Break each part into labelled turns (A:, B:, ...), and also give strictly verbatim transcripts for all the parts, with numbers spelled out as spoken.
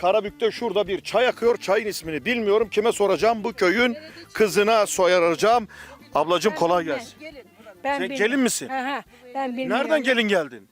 A: Karabük'te şurada bir çay akıyor. Çayın ismini bilmiyorum. Kime soracağım? Bu köyün kızına soracağım. Ablacığım kolay gelsin.
B: Ben
A: Sen
B: bilmiyorum.
A: gelin misin?
B: Aha, ben bilmiyorum.
A: Nereden gelin geldin?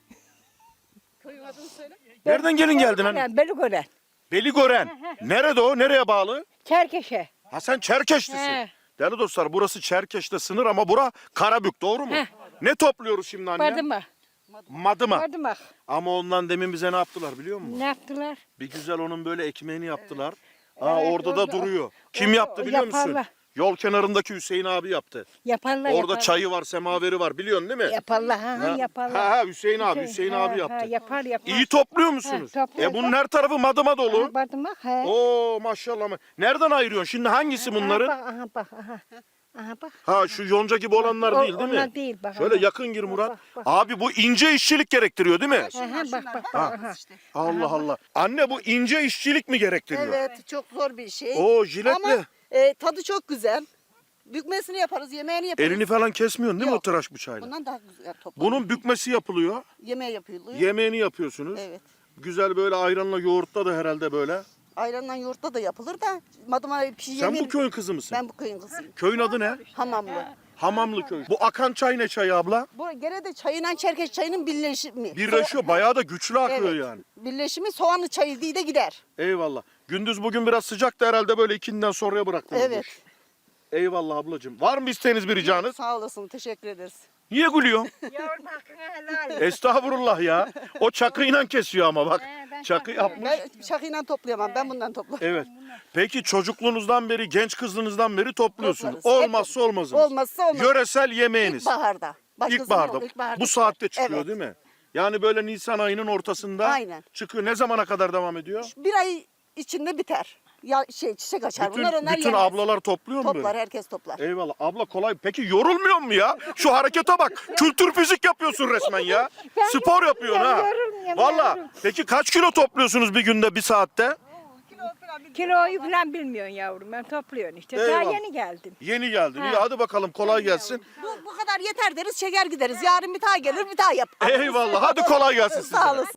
A: Nereden gelin geldin hani?
B: Ben Beligören.
A: Beligören. Nerede o? Nereye bağlı?
B: Çerkeşe.
A: Ha sen Çerkeşlisin.
B: He.
A: Değerli dostlar burası Çerkeş'te sınır ama bura Karabük, doğru mu?
B: He.
A: Ne topluyoruz şimdi anne?
B: Badımak.
A: Madıma.
B: Badımak.
A: Ama ondan demin bize ne yaptılar biliyor musun?
B: Ne yaptılar?
A: Bir güzel onun böyle ekmeğini yaptılar. Ha
B: Evet,
A: orada da
B: orada-
A: duruyor. Kim
B: orada
A: yaptı biliyor musun?
B: yaparlar.
A: Yol kenarındaki Hüseyin abi yaptı.
B: Yaparlar
A: Orada
B: yaparlar.
A: çayı var, semaveri var biliyorsun değil mi?
B: Yaparlar ha, ha yaparlar.
A: Ha, ha Hüseyin abi, Hüseyin
B: ha,
A: abi
B: ha,
A: yaptı.
B: yapar yapar.
A: İyi topluyor musunuz?
B: Ha, topluyoruz.
A: E bunun her tarafı madıma dolu.
B: Ha, Badımak he.
A: Oo maşallah. Nereden ayırıyorsun? Şimdi hangisi bunların?
B: Aha bak, aha bak, aha. Aha bak.
A: Ha şu yonca gibi olanlar
B: O-
A: değil değil mi?
B: onlar değil, bak,
A: Şöyle
B: aha.
A: yakın gir Murat.
B: Bak, bak.
A: Abi bu ince işçilik gerektiriyor değil mi?
B: Aha bak bak.
A: Ha.
B: bak, aha.
A: Allah Allah. Anne bu ince işçilik mi gerektiriyor?
C: Evet, çok zor bir şey.
A: Oo jiletle.
C: Ama e, tadı çok güzel. Bükmesini yaparız, yemeğini yaparız.
A: Elini falan kesmiyorsun değil mi o
C: Yok.
A: tıraş bıçağıyla?
C: Bundan daha güzel toplanır.
A: Bunun bükmesi yapılıyor.
C: Yemeği yapılıyor.
A: Yemeğini yapıyorsunuz.
C: Evet.
A: Güzel böyle ayranla yoğurtla da herhalde böyle.
C: Ayranla yoğurtla da yapılır da madıma bir şey
A: Sen
C: yemeği...
A: bu köyün kızı mısın?
C: Ben bu köyün kızıyım.
A: Köyün adı ne?
C: Hamamlı.
A: Hamamlı köy. Bu akan çay ne çayı abla?
C: Bu gene de çayıyla Çerkeş çayının birleşimi.
A: Birleşiyor. Bayağı da güçlü akıyor
C: Evet.
A: yani.
C: Birleşimi soğanlı çayı diye de gider.
A: Eyvallah. Gündüz bugün biraz sıcaktı herhalde böyle ikinden sonraya bıraktınız. bu
C: Evet.
A: işi. Eyvallah ablacığım. Var mı isteğiniz bir ricanız?
C: Sağ olasın, teşekkür ederiz.
A: Niye gülüyorsun?
B: Yavrum hakkını helal.
A: Estağfurullah ya. O çakıyla kesiyor ama bak.
B: He, ben
A: Çakı
B: çakıyla-
A: yapmış.
C: Ben şakıyla toplayamam, ben bundan toplarım.
A: Evet. Peki çocukluğunuzdan beri, genç kızlığınızdan beri topluyorsunuz.
C: Toplarız.
A: Olmazsa olmazınız.
C: Olmazsa olmaz.
A: Yöresel yemeğiniz.
C: İlkbaharda. Başkasının
A: İlkbaharda.
C: yok, ilkbaharda.
A: Bu saatte çıkıyor
C: Evet.
A: değil mi? Yani böyle Nisan ayının ortasında
C: Aynen.
A: çıkıyor. Ne zamana kadar devam ediyor?
C: Bir ay içinde biter. Ya şey çiçek açar.
A: Bütün,
C: Bunlar onlar
A: bütün
C: yemez.
A: ablalar topluyor mu
C: Toplar,
A: böyle?
C: herkes toplar.
A: Eyvallah. Abla kolay. Peki yorulmuyor mu ya? Şu harekete bak. Kültür fizik yapıyorsun resmen ya.
B: Ben
A: Spor yapıyorsun ha.
B: yorulmuyorum,
A: Valla.
B: yorulmuyorum.
A: Peki kaç kilo topluyorsunuz bir günde, bir saatte?
B: Kiloyu falan bilmiyorsun yavrum. Ben topluyorum işte.
A: Eyvallah.
B: Daha yeni geldim.
A: Yeni geldin.
B: Ha.
A: İyi hadi bakalım kolay gelsin.
C: Bu, bu kadar yeter deriz, çeker gideriz. Yarın bir daha gelir, bir daha yap.
A: Eyvallah. Hadi kolay gelsin size.
C: Sağ olasın.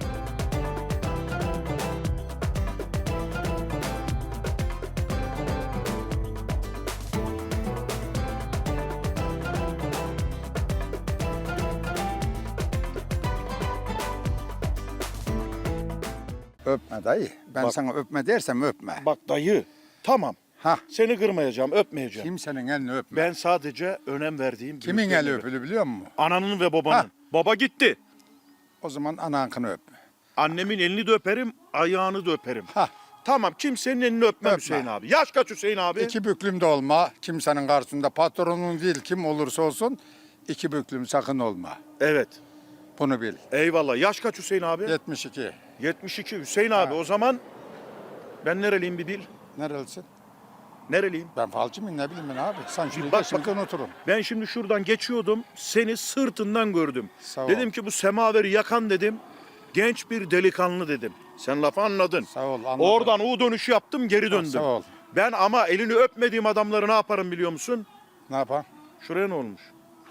D: Öpme dayı. Ben
A: Bak.
D: sana öpme dersem öpme.
A: Bak dayı. Tamam.
D: Ha,
A: Seni kırmayacağım, öpmeyeceğim.
D: kimsenin elini öpme.
A: Ben sadece önem verdiğim
D: Kimin
A: büyüklerime
D: eli
A: öp-
D: öpülü biliyor musun?
A: Ananın ve babanın.
D: Ha.
A: Baba gitti.
D: O zaman anankını öp.
A: Annemin elini de öperim, ayağını da öperim.
D: Ha,
A: Tamam, kimsenin elini öpmem
D: Öpme.
A: Hüseyin abi. Yaş kaç Hüseyin abi?
D: iki büklüm de olma. Kimsenin karşısında patronun değil kim olursa olsun iki büklüm sakın olma.
A: Evet.
D: Bunu bil.
A: Eyvallah. Yaş kaç Hüseyin abi?
D: yetmiş iki.
A: yetmiş iki Hüseyin abi. O zaman ben nereliyim bir bil.
D: Nerelisin?
A: Nereliyim?
D: Ben falcı mıyım ne bileyim ben abi. Sen şimdi
A: Bak,
D: geçerken oturun.
A: Ben şimdi şuradan geçiyordum. Seni sırtından gördüm.
D: Sağ ol.
A: Dedim ki bu semaveri yakan dedim. Genç bir delikanlı dedim. Sen lafı anladın.
D: Sağ ol, anladım.
A: Oradan U dönüşü yaptım, geri döndüm.
D: Sağ ol.
A: Ben ama elini öpmediğim adamları ne yaparım biliyor musun?
D: Ne yapalım?
A: Şuraya ne olmuş?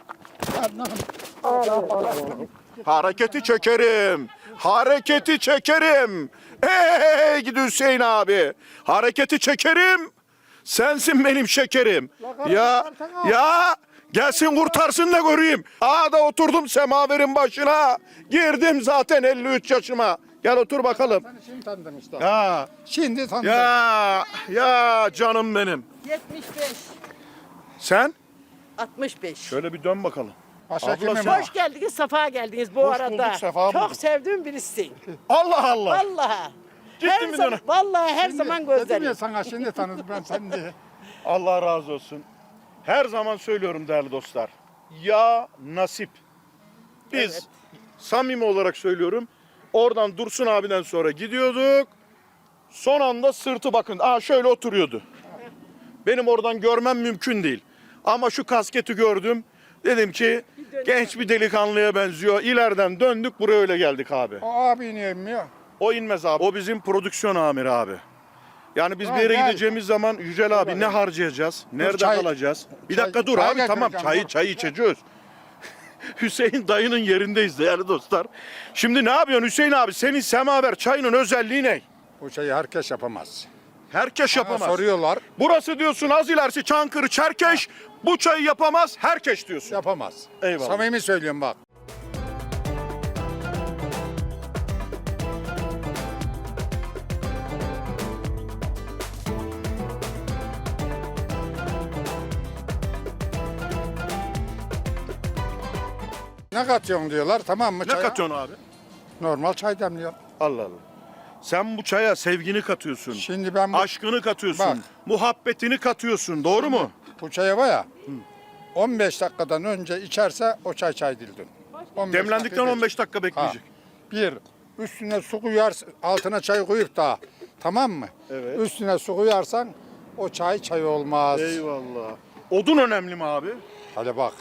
A: Hareketi çekerim. Hareketi çekerim. Hey gidi Hüseyin abi. Hareketi çekerim. Sensin benim şekerim. Ya ya gelsin kurtarsın da göreyim. Aa da oturdum semaverin başına. Girdim zaten elli üç yaşıma. Gel otur bakalım.
D: Seni şimdi tanıdım işte.
A: Ya
D: Şimdi tanıdım.
A: ya ya canım benim.
C: yetmiş beş.
A: Sen
C: altmış beş.
A: şöyle bir dön bakalım.
D: Başhekim
A: Abla
D: mi?
A: sen-
E: Hoş geldiniz, safa geldiniz bu
A: Hoş
E: arada.
A: bulduk, sefa bulduk.
E: Çok sevdiğim birisisin.
A: Allah Allah.
E: Vallahi.
A: Ciddi
E: her
A: mi
E: zaman,
A: diyorsun?
E: vallahi her
D: Şimdi
E: zaman
D: Dedim ya
E: gözlerim.
D: sana şimdi tanıdım ben seni diye.
A: Allah razı olsun. Her zaman söylüyorum değerli dostlar. Ya nasip. Biz
E: Evet.
A: samimi olarak söylüyorum. Oradan Dursun abiden sonra gidiyorduk. Son anda sırtı bakın. Aa şöyle oturuyordu. Benim oradan görmem mümkün değil. Ama şu kasketi gördüm. Dedim ki genç bir delikanlıya benziyor. İleriden döndük buraya öyle geldik abi.
D: O abi niye inmiyor?
A: O inmez abi. O bizim prodüksiyon amiri abi. Yani biz
D: Ha,
A: bir yere
D: gel.
A: gideceğimiz zaman Yücel abi ne harcayacağız? Nerede
D: çay-
A: kalacağız? Bir
D: çay-
A: dakika dur
D: çay
A: abi tamam
D: getireceğim,
A: çayı
D: dur.
A: çay içeceğiz. Hüseyin dayının yerindeyiz değerli dostlar. Şimdi ne yapıyorsun Hüseyin abi? Senin semaver çayının özelliği ne?
D: Bu şeyi herkes yapamaz.
A: Herkes
D: Bana
A: yapamaz.
D: soruyorlar,
A: Burası diyorsun az ilerisi Çankırı, Çerkeş. Bu çayı yapamaz, herkes diyorsun.
D: yapamaz.
A: Eyvallah.
D: Samimi söylüyorum bak. Ne katıyorsun diyorlar, tamam mı
A: Ne
D: çaya?
A: katıyorsun abi?
D: Normal çay demliyor.
A: Allah Allah. Sen bu çaya sevgini katıyorsun.
D: Şimdi ben bu,
A: Aşkını katıyorsun.
D: Bak.
A: Muhabbetini katıyorsun. Doğru mu?
D: bu çaya var ya, on beş dakikadan önce içerse o çay çay değildir. on beş
A: Demlendikten
D: dakika
A: on beş dakika
D: Ha,
A: bekleyecek.
D: bir, üstüne su koyar, altına çay koyup da, tamam mı?
A: Evet.
D: Üstüne su koyarsan o çay çay olmaz.
A: Eyvallah. Odun önemli mi abi?
D: Hadi bak,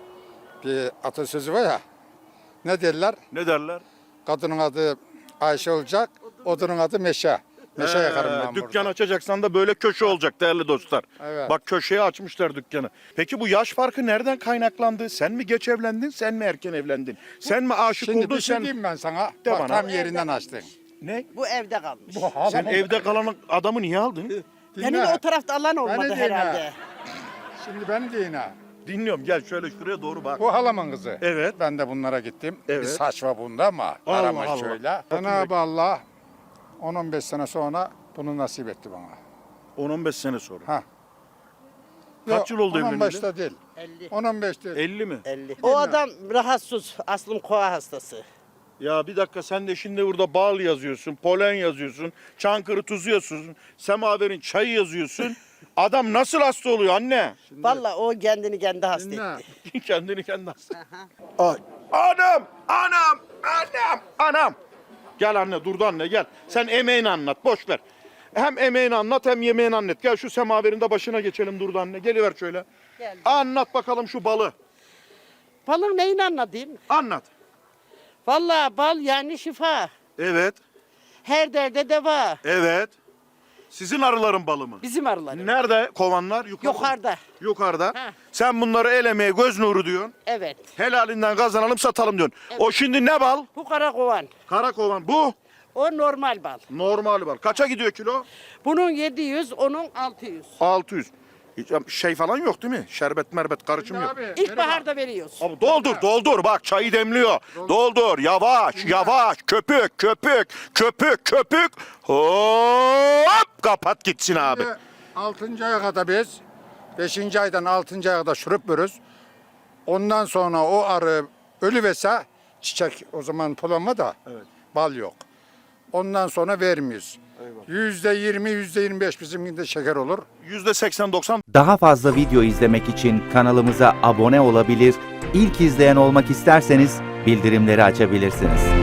D: bir atasözü var ya, ne derler?
A: Ne derler?
D: Kadının adı Ayşe olacak, odunun adı Meşe. Meşe
A: Ee,
D: yakarım ben
A: Dükkan
D: burada.
A: açacaksan da böyle köşe olacak değerli dostlar.
D: Evet.
A: Bak köşeye açmışlar dükkanı. Peki bu yaş farkı nereden kaynaklandı? Sen mi geç evlendin, sen mi erken evlendin? Sen mi aşık
D: Şimdi
A: oldun,
D: bir şey
A: sen...
D: diyeyim ben sana,
A: De
D: bak
A: bana.
D: tam yerinden açtın.
A: Ne?
E: Bu evde kalmış.
D: Bu
A: Sen evde kalan adamı niye aldın?
E: Benim
D: Dinle.
E: o tarafta alan olmadı
D: Beni dinle.
E: herhalde.
D: Şimdi beni dinle.
A: Dinliyorum, gel şöyle şuraya doğru bak.
D: Bu halamın kızı.
A: Evet.
D: Ben de bunlara gittim.
A: Evet.
D: Bir saçma bunda ama
A: Allah
D: aramış
A: Allah.
D: şöyle. Cenab-ı Allah on on beş sene sonra bunu nasip etti bana.
A: on on beş sene sonra.
D: Ha.
A: Kaç yıl oldu
D: on on
A: evleneli?
D: beşte değil.
E: elli.
D: on on beş değil.
A: elli mi?
E: elli. O adam rahatsız. Aslım koa hastası.
A: Ya bir dakika, sen de şimdi burada bal yazıyorsun, polen yazıyorsun, Çankırı tuzu yazıyorsun, semaverin çayı yazıyorsun. Adam nasıl hasta oluyor anne?
E: Vallahi o kendini kendi hasta
D: Dinle.
E: etti.
A: Kendini kendi hasta. Ay. Anam, anam, anam, anam. Gel anne, durdu anne gel. Sen emeğini anlat, boş ver. Hem emeğini anlat hem yemeğini anlat. Gel şu semaverin de başına geçelim, durdu anne. Geliver şöyle.
E: Geldim.
A: Anlat bakalım şu balı.
E: Balın neyini anlatayım?
A: Anlat.
E: Vallahi bal yani şifa.
A: Evet,
E: Her derde deva.
A: evet. Sizin arıların balı mı?
E: Bizim arıları.
A: Nerede kovanlar? Yukarıda.
E: Yukarıda.
A: Yukarıda.
E: Ha.
A: Sen bunları el emeği, göz nuru diyorsun.
E: Evet.
A: Helalinden kazanalım, satalım diyorsun. O şimdi ne bal?
E: Bu kara kovan.
A: Kara kovan. Bu
E: O normal bal.
A: normal bal. Kaça gidiyor kilo?
E: Bunun yedi yüz, onun altı yüz.
A: altı yüz. Hiç şey falan yok değil mi? Şerbet merbet karışım yok.
D: Abi,
E: İlkbaharda veriyoruz.
A: Abi doldur doldur bak çayı demliyor. Doldur yavaş yavaş köpük köpük köpük köpük. Hop kapat gitsin abi.
D: Şimdi altıncı aya kadar biz, beşinci aydan altıncı aya kadar şurup veriyoruz. Ondan sonra o arı ölüvese çiçek, o zaman polanma da bal yok. Ondan sonra vermiyoruz. Yüzde yirmi, yüzde yirmi beş bizimkinde şeker olur.
A: yüzde seksen doksan
F: Daha fazla video izlemek için kanalımıza abone olabilir, ilk izleyen olmak isterseniz bildirimleri açabilirsiniz.